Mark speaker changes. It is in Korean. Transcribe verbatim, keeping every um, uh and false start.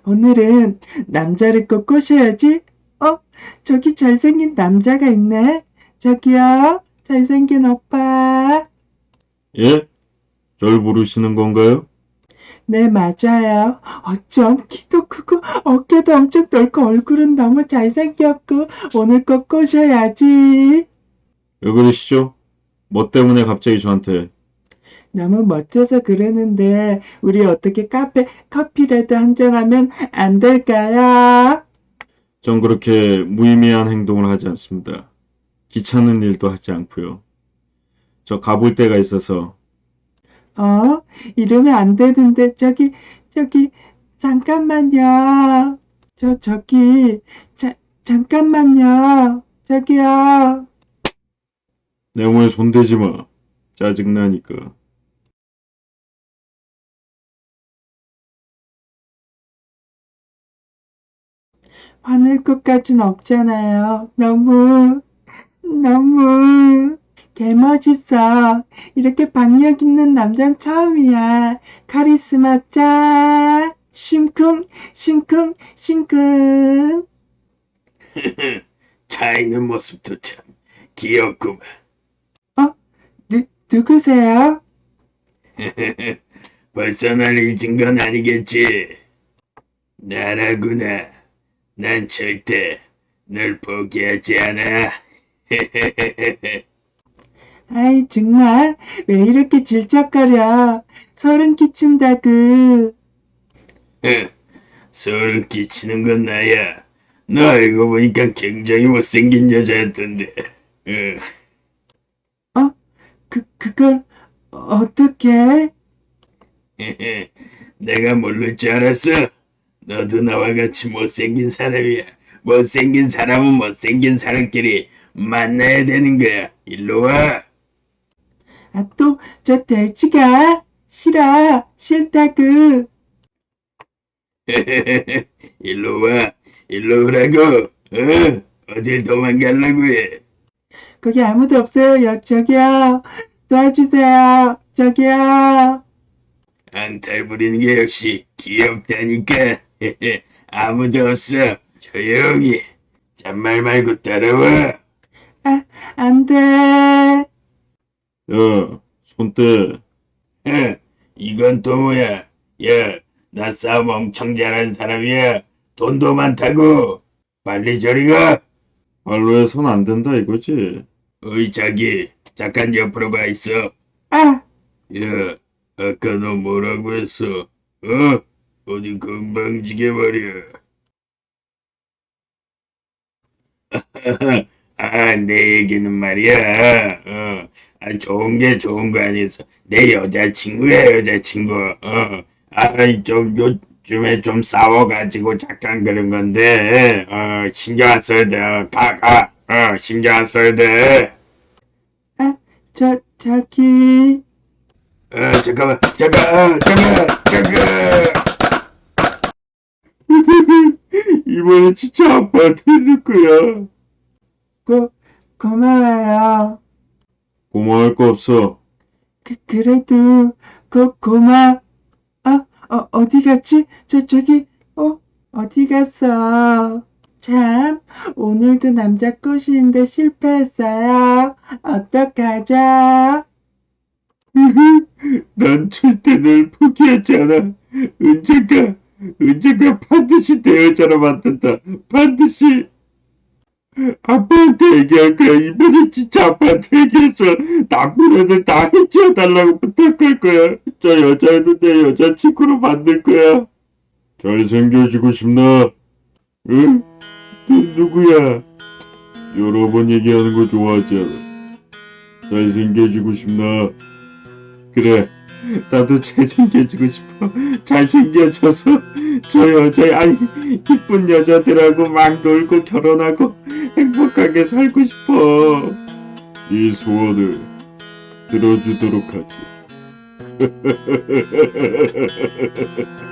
Speaker 1: 오늘은 남자를 꼭 꼬셔야지. 어? 저기 잘생긴 남자가 있네. 저기요, 잘생긴 오빠.
Speaker 2: 예? 절 부르시는 건가요?
Speaker 1: 네, 맞아요. 어쩜 키도 크고 어깨도 엄청 넓고 얼굴은 너무 잘생겼고 오늘 꼭 꼬셔야지.
Speaker 2: 왜 그러시죠? 뭐 때문에 갑자기 저한테?
Speaker 1: 너무 멋져서 그러는데 우리 어떻게 카페 커피라도 한잔하면 안 될까요?
Speaker 2: 전 그렇게 무의미한 행동을 하지 않습니다. 귀찮은 일도 하지 않고요. 저 가볼 데가 있어서.
Speaker 1: 어? 이러면 안 되는데 저기 저기 잠깐만요. 저 저기 자, 잠깐만요. 저기요.
Speaker 2: 내 몸에 손대지 마. 짜증나니까.
Speaker 1: 화낼 것까진 없잖아요. 너무 너무 개멋있어. 이렇게 박력 있는 남잔 처음이야. 카리스마 짠. 심쿵 심쿵 심쿵.
Speaker 3: 차 있는 모습도 참 귀엽구만.
Speaker 1: 어? 누, 누구세요?
Speaker 3: 벌써 날 잊은 건 아니겠지? 나라구나. 난 절대 널 포기하지 않아.
Speaker 1: 아이 정말 왜 이렇게 질척거려. 소름 끼친다구.
Speaker 3: 소름 끼치는 건 나야. 너 알고 보니까 굉장히 못생긴 여자였던데. 응.
Speaker 1: 어? 그, 그걸 어떻게?
Speaker 3: 내가 모를 줄 알았어. 너도 나와 같이 못생긴 사람이야. 못생긴 사람은 못생긴 사람끼리 만나야 되는 거야. 일로 와.
Speaker 1: 아, 또 저 돼지가 싫어. 싫다구.
Speaker 3: 일로 와. 일로 오라고. 어? 어딜 도망가려고 해.
Speaker 1: 거기 아무도 없어요. 여, 저기요. 도와주세요. 저기요.
Speaker 3: 안탈 부리는 게 역시 귀엽다니까. 아무도 없어. 조용히. 잔말 말고 따라와.
Speaker 1: 아, 안 돼.
Speaker 2: 야, 손 떼.
Speaker 3: 어, 이건 또 뭐야? 야, 나 싸움 엄청 잘하는 사람이야. 돈도 많다고. 빨리 저리 가.
Speaker 2: 말로 해선 안 된다 이거지?
Speaker 3: 어이, 자기. 잠깐 옆으로 가 있어.
Speaker 1: 아,
Speaker 3: 야, 아까 너 뭐라고 했어? 어? 어디 금방 지게버려. 아, 내 얘기는 말이야. 어, 아, 좋은 게 좋은 거 아니었어. 내 여자친구야, 여자친구. 어, 아, 좀 요즘에 좀 싸워가지고 잠깐 그런 건데, 어, 신경 안 써야 돼. 어, 가, 가. 어, 신경 안 써야 돼.
Speaker 1: 아, 저, 저기.
Speaker 3: 어, 잠깐만, 잠깐, 어, 잠깐, 잠깐.
Speaker 2: 이번엔 진짜 아빠한테 해줄 거야.
Speaker 1: 고, 고마워요.
Speaker 2: 고마울 거 없어.
Speaker 1: 그, 그래도, 고, 고마, 아, 어, 어디 갔지? 저, 저기, 어, 어디 갔어? 참, 오늘도 남자 꼬시는데 실패했어요. 어떡하죠?
Speaker 2: 난 절대 널 포기하지 않아. 언젠가, 언젠가 반드시 내 여자로 만든다. 반드시. 아빠한테 얘기할 거야. 이번엔 진짜 아빠한테 얘기해서 나쁜 애들 다 해치워달라고 부탁할 거야. 저 여자애도 내 여자친구로 만들 거야. 잘생겨지고 싶나? 응? 넌 누구야? 여러 번 얘기하는 거 좋아하지 않아. 잘생겨지고 싶나? 그래. 나도 잘생겨지고 싶어. 잘생겨져서 저 여자, 아니, 이쁜 여자들하고 막 놀고 결혼하고 행복하게 살고 싶어. 네 소원을 들어주도록 하지.